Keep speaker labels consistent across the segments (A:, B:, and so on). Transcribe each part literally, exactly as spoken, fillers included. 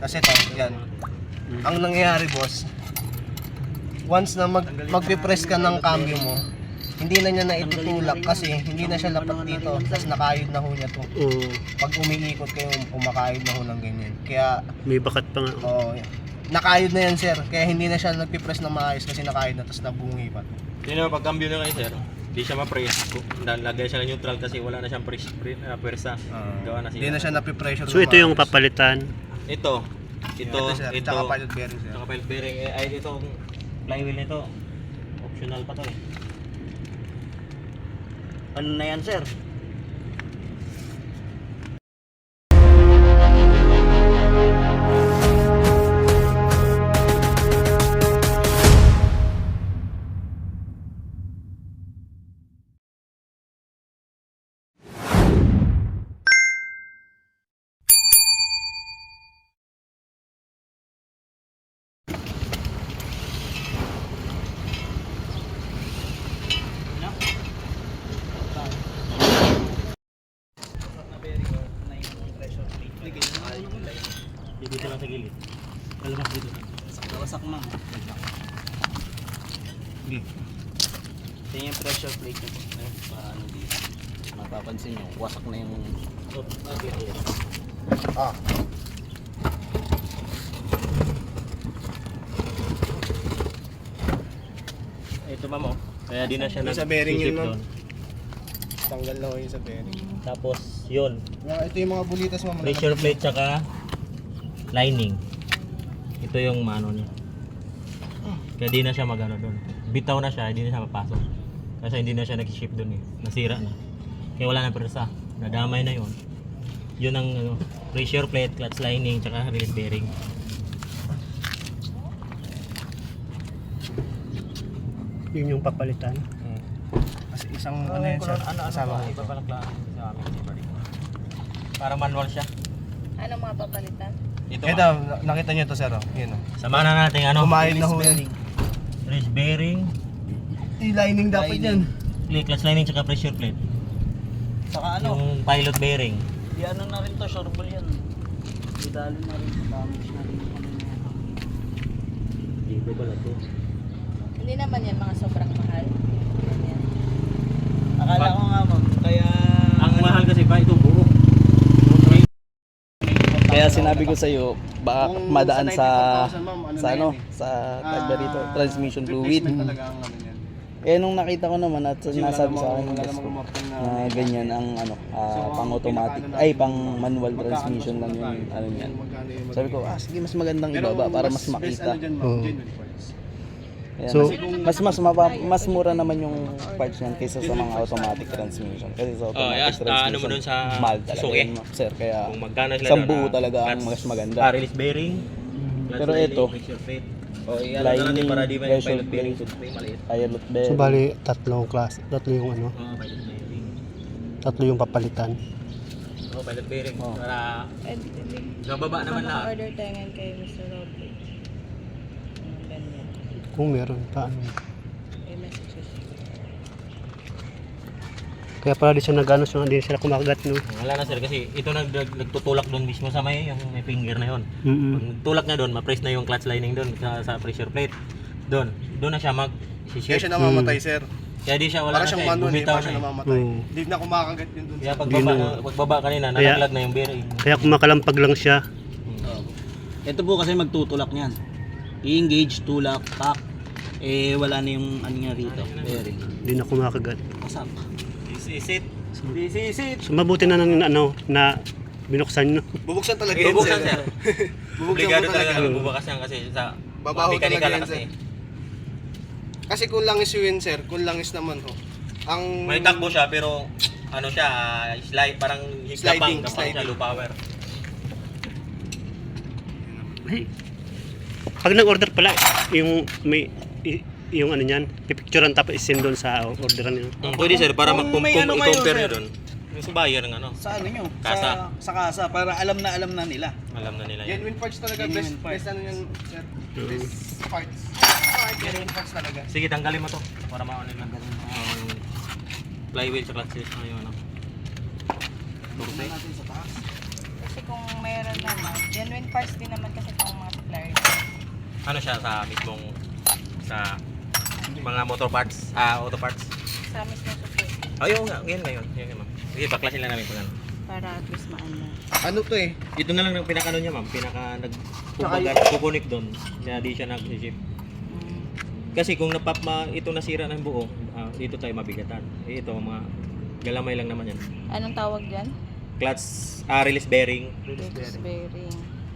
A: Kasi to, yan. Ang nangyayari boss, once na mag, magpipress ka ng cambio mo, hindi na niya na itutulak kasi hindi na siya lapat dito. Tapos nakayod na ho niya to.
B: Oo.
A: Pag umiikot kayo, umakayod na ho ng ganyan. Kaya,
B: May bakat pa nga.
A: oo, nakayod na yan sir. Kaya hindi na siya nagpipress ng maayos kasi nakayod na tapos nabungi pa.
C: Yun naman, pag cambio na kayo sir, hindi siya ma-press. Lagay siya ng neutral kasi wala na siyang press, press, uh, pwersa. Gawa na siya.
A: Hindi na siya napipressure.
B: So ito yung papalitan.
C: Ito, ito,
A: Ito, sir.
C: ito,
A: Tsaka pilot bearing sir.
C: tsaka pilot bearing. Eh, ay, itong flywheel nito, optional pa to eh.
D: Ano na yan, sir?
C: Dito lang sa gilid. Kalabas dito.
D: Wasak na.
A: Sige.
D: Ito yung pressure plate nyo po. Eh, paano dito? Mapapansin nyo, wasak na yung...
C: Oh, okay, okay.
A: Ah.
C: Ito ma'am oh. Kaya di na siya
A: Yung sa bearing yun,
C: nag-sisip
A: ma'am.
C: doon.
A: Tanggal na ho yung sa bearing.
C: Tapos yun,
A: Yung, ito yung mga bulitas mo.
C: pressure plate tsaka lining. Ito yung mano niya. Kaya di na siya magano doon. Bitaw na siya, hindi na siya mapasok. Kasi hindi na siya nag-ship doon eh. Nasira na. Kaya wala na persa. Nadamay na yun. Yun ang ano, pressure plate, clutch lining, tsaka release bearing.
B: Yun yung papalitan.
A: Hmm. Kasi isang ano yan sir. Kasama ko.
C: Iba pala klase sa amin. Para manual siya.
E: Ano mga papalitan?
C: Ito,
A: Ito, na- nakita niyo to sir. Oh. Yun oh.
C: sama na natin ano.
A: Kumayod na ho yan.
C: Release bearing,
A: I-lining dapat yan.
C: clutch lining, tsaka pressure plate.
D: Saka ano,
C: Yung pilot bearing.
D: di ano na rin to, shoreball yan. Idalo na rin, damage na rin.
C: Dito pala to.
E: Hindi naman yan mga sobrang mahal. Yan.
D: Akala ko nga ma'am, kaya...
C: Ang mahal kasi ba ito buo.
D: Kaya sinabi ko sa iyo, baka
A: Kung
D: madaan
A: sa
D: sa
A: ninety-four thousand, ma'am, ano
D: sa
A: na
D: ano,
A: yan eh.
D: sa
A: Ah,
D: tagba rito, transmission fluid.
A: replacement talaga ang ano yan.
D: Eh nung nakita ko naman at
A: Kasi wala
D: nasabi sa
A: namang-
D: akin ng
A: wala
D: boss ko
A: namang mapin na-
D: na ganyan ang ano, ah,
A: So, ang
D: pang automatic,
A: pinakaano
D: ay
A: natin,
D: pang
A: ma'am,
D: manual
A: magkano
D: transmission
A: mas
D: lang yung
A: magkano?
D: ano niyan.
A: Magkano yung
D: Sabi ko,
A: magiging-
D: ah sige mas magandang
A: Pero
D: ibaba para mas
A: best
D: makita.
A: ano dyan, ma'am,
B: Oo.
A: genuine parts.
D: Ayan,
B: So-
D: mas, mas mas mapa- mas mura naman yung parts niyan kaysa sa mga automatic transmission. Kasi sa
C: Oh,
D: automatic
C: yes,
D: transmission,
C: ano mo dun sa
D: mahal talaga
C: Suzuki?
D: yun, ma'am, sir. Kaya
C: Kung magkano sila
D: isang
C: doon,
D: buo
C: ah,
D: talaga ang
C: clutch-
D: mas maganda.
C: Ah, release bearing. clutch
D: Pero
C: lining,
D: ito,
C: pressure plate. Oh, iyan na natin
D: lining,
C: para di ba yung
D: pressure
C: pilot bearing
D: plate.
C: toothpaste maliit.
D: pilot
B: So
D: bearing.
B: bali tatlong class, tatlo yung ano,
C: Oh, pilot bearing.
B: tatlo yung papalitan.
C: Oh, pilot bearing.
D: Oh.
C: Para
E: And
C: gababa naman na.
E: order tayo ngayon kay mister Roble. Yung ganyan.
B: Kung meron pa ano.
E: May messages.
B: Kaya pala di siya nag-ano, so hindi sila kumakagat no.
C: Wala na sir kasi ito nag nag- nagtutulak doon mismo sa may yung may finger na yon.
B: Mm.
C: Pag nagtulak na doon, ma-press na yung clutch lining doon sa, sa pressure plate. Doon, doon na siya mag
A: Kaya
C: shift.
A: siya namamatay sir.
C: Kaya di siya wala
A: Para
C: na
A: siyang
C: siya, eh,
A: manual, hindi
C: bumitaw
A: pa siya
C: na. eh.
A: namamatay.
B: Oo.
A: Hindi na kumakagat yun dun.
C: Kaya
A: sir.
C: pagbaba,
B: Di na.
C: pagbaba kanina,
B: Kaya-
C: nalaglag na yung bearing.
B: Kaya kumakampag lang siya.
D: Ito po kasi magtutulak niyan. I-engage, tulak, pack. Eh wala na yung ano nga rito, bearing.
B: Hindi na kumakagat.
D: Kasap.
C: Isisit.
D: Isisit.
B: So mabuti na nang ano na binuksan nyo.
A: Bubuksan talaga yan
C: Bubuksan
A: sir.
C: sir.
A: Bubuksan
C: Obligado
A: mo
C: talaga
A: talaga.
C: bubukas yan kasi sa
A: Babaho
C: mechanical
A: talaga
C: na
A: yan,
C: kasi.
A: sir. Kasi kung langis yun sir, kung langis naman ho. Ang
C: May takbo siya pero ano siya, slide parang
A: Sliding,
C: kapang, kapang siya,
A: sliding.
C: low power.
B: Ay. Pag nag-order pala, yung may i- yung ano niyan, pipicturean tapos isend doon sa orderan niyo.
C: Hmm, pwede sir, para
D: Kung
C: mag-compare
D: may ano kayo,
C: nyo
D: sir.
C: doon. Yung sa buyer ng ano,
D: Sa ano nyo?
C: Kasa.
D: Sa, sa kasa, para alam na alam na nila.
C: alam na nila yan.
A: genuine parts talaga.
D: Genuine
A: Best,
D: parts.
A: best ano yan sir. Best parts. Genuine parts talaga.
C: Sige, tanggalin mo to para maano lang. Ang flywheel sa clutch ano yung ano.
D: Tingnan natin sa taas.
E: kasi kung mayroon naman, genuine parts din naman kasi itong mga supplier.
C: Ano siya sa mismong sa mga motor parts, ah auto parts.
E: Sa mismo support.
C: Ayun nga, yun ngayon. Yun nga ma'am. Sige, baklasin lang namin kung ano.
E: Para at least maano.
A: Ano to eh?
C: Ito na lang ang pinakano niya ma'am, pinaka nag kumbaga kukunik doon. Kaya di siya nag-ship.
E: Mm.
C: Kasi kung napap ma, ito nasira ng buo, ah, dito tayo mabigatan. Eh, ito mga galamay lang naman yan.
E: Anong tawag dyan?
C: Clutch, ah, release bearing,
E: Release bearing.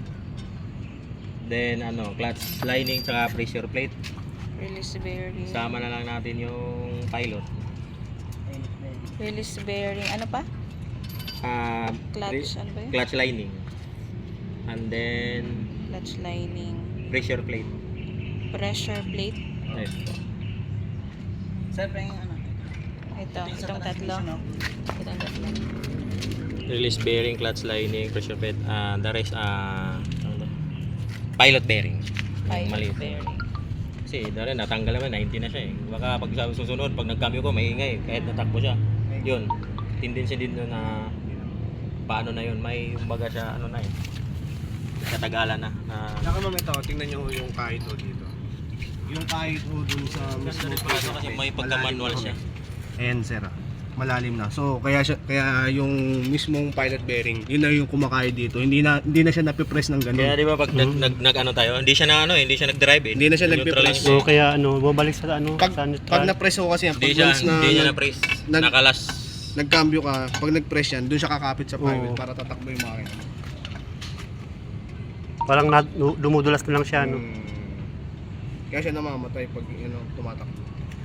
C: then ano, clutch lining tsaka pressure plate.
E: Release bearing.
C: Sama na lang natin yung pilot.
E: Release bearing. Ano pa?
C: Ah,
E: Clutch.
C: re-
E: Ano ba yun?
C: clutch lining. And then
E: Clutch lining.
C: pressure plate.
E: Pressure plate.
C: Yes.
D: Sir, pa yung ano?
E: Ito. Itong tatlo. Itong tatlo.
C: Release bearing, clutch lining, pressure plate, ah the rest ah ano to? Pilot bearing. Yung
E: Pilot
C: maliit.
E: bearing.
C: Kasi dahil natanggal naman, ninety na siya eh. Baka pag sa susunod, pag nagcambio ko, maingay. Kahit natakbo siya. Yun. Tendency din nun na paano na yun. May kumbaga siya, ano na eh. Katagalan na. na
A: Saka ma'am ito, tingnan nyo yung kahit o dito. Yung kahit o dun sa
C: Kasi
A: mismo
C: kasi may pagka-manual siya.
A: Ayan sir, ah. Malalim na. So kaya siya, kaya yung mismong pilot bearing, yun na yung kumakayod dito. Hindi na hindi na siya napipress ng ganun.
C: Kaya di ba pag nag, nag, nag ano tayo, hindi siya na ano eh, hindi siya nag-drive eh.
A: Hindi na siya
C: Neutral
A: nagpe-press.
C: lang siya.
B: So kaya ano, bumalik sa ano,
A: Pag,
B: sa neutral.
A: pag na-press ko kasi yan,
C: Hindi
A: pag
C: siya,
A: once na
C: hindi niya
A: nag-
C: na-press.
A: nag-
C: Nakalas.
A: nagcambio ka, pag nag-press yan, doon siya kakapit sa pilot
B: Oo.
A: para tatakbo yung makina.
B: Parang na, dumudulas na lang siya, no?
A: Hmm. Kaya siya namamatay pag ano, tumatakbo.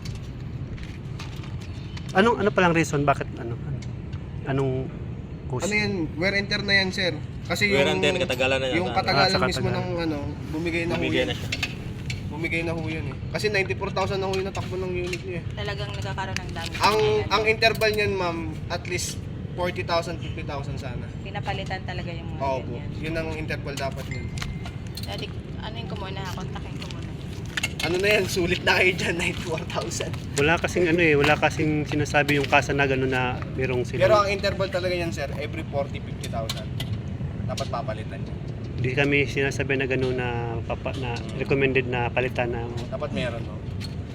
B: Anong ano palang reason bakit ano? Anong cause?
A: Ano yan, wear and tear na yan sir. Kasi
C: Wear
A: yung
C: and tear, katagalan na yan.
A: yung
C: Ah,
A: katagalan
B: sa
A: mismo
B: katagalan.
A: ng ano, bumigay na ho
C: Bumigay
A: yan.
C: na siya.
A: Bumigay na ho yan eh. Kasi ninety-four thousand na ho yung natakbo ng unit niya eh.
E: Talagang nagkakaroon ng damage.
A: Ang
E: Ayan.
A: ang interval niyan ma'am, at least forty thousand, fifty thousand sana.
E: Pinapalitan talaga yung mga
A: Oo po.
E: ganyan.
A: Yun ang interval dapat niyan.
E: Dati, ano yung kumuna? Kontakin ko muna.
A: Ano na yan, sulit na kayo dyan, ninety-four thousand.
B: Wala kasing ano eh, wala kasing sinasabi yung kasa na gano'n na merong sila.
A: Pero ang interval talaga yan sir, every forty, fifty thousand. Dapat papalitan niya.
B: Hindi kami sinasabi na gano'n na papa, na recommended na palitan ng
A: Dapat meron no.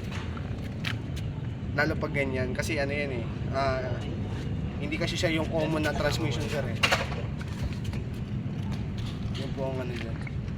A: Lalo pag ganyan, kasi ano yan eh, ah, hindi kasi siya yung common na transmission sir eh. Yun po ang ano dyan.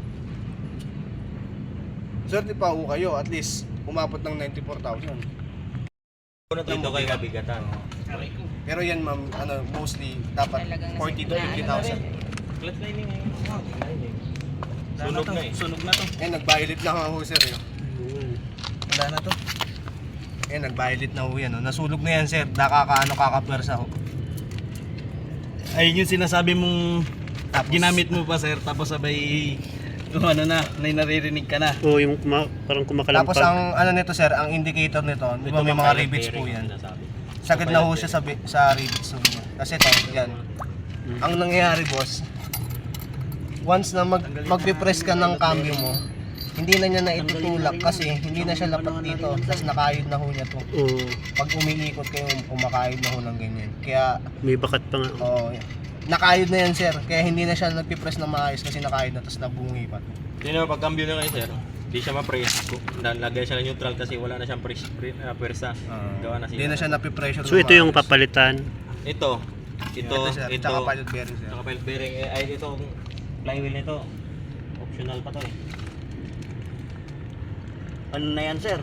A: Swerte pa ho kayo, at least umabot ng ninety-four thousand.
C: Dito kayo mabigatan.
A: Pero yan ma'am, ano, mostly dapat
E: Talagang nasa-
A: forty to
E: na-
A: fifty
E: ano
A: thousand.
E: rin.
C: Clutch lining ngayon. Lining. Sunog na eh.
D: Sunog na to.
A: Eh, nag-violet na ho sir eh.
B: Ayun.
D: Wala na to.
A: Eh, nag-violet na ho yan. Oh. Nasunog na yan sir, nakakaano kakapwersa ho.
D: Ayun yung sinasabi mong
A: Tapos,
D: ginamit mo pa sir, tapos sabay kung ano na, may naririnig ka na.
B: Oo, yung kuma, parang kumakalampag.
A: Tapos ang ano nito sir, ang indicator nito, di ba may mga rivets po yan. Sagad na ho siya sa, bi- sa rivets ho niya. Kasi ito, yan. Ang nangyayari boss, once na mag, magpipress ka ng cambio mo, hindi na niya na itutulak kasi hindi na siya lapat dito. Tapos nakayod na ho niya to.
B: Oo,
A: Pag umiikot kayo, kumakayod na ho ng ganyan. Kaya,
B: may bakat pa nga.
A: oo, nakayod na yan sir. Kaya hindi na siya nagpipress ng maayos kasi nakayod na, tapos nabungi pa.
C: Hindi naman pag cambio na kayo sir, hindi siya ma-press. Lagay siya ng neutral kasi wala na siyang press, pre, uh, pwersa. Gawa na siya.
A: Hindi na siya napipressure.
B: So ito yung papalitan.
C: Ito, ito,
A: Ito, sir.
C: ito,
A: Tsaka pilot bearing sir.
C: Tsaka pilot bearing. Eh, ay, ito, flywheel nito. Optional pa to eh.
D: Ano na yan sir?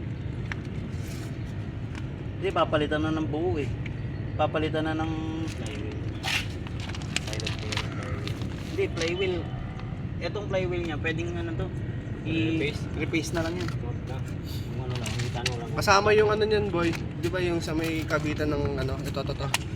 D: Hindi, papalitan na ng buo eh. Papalitan na ng...
C: Flywheel. Pilot bearing. flywheel.
D: Hindi, flywheel. Etong flywheel niya, pwedeng ano to?
C: I-repaste?
D: I-repaste na lang yan.
C: Huwag na. Yung ano lang, yung tanong lang.
A: Kasama yung ano niyan boy, di ba yung sa may kabitan ng ano, ito, ito, ito.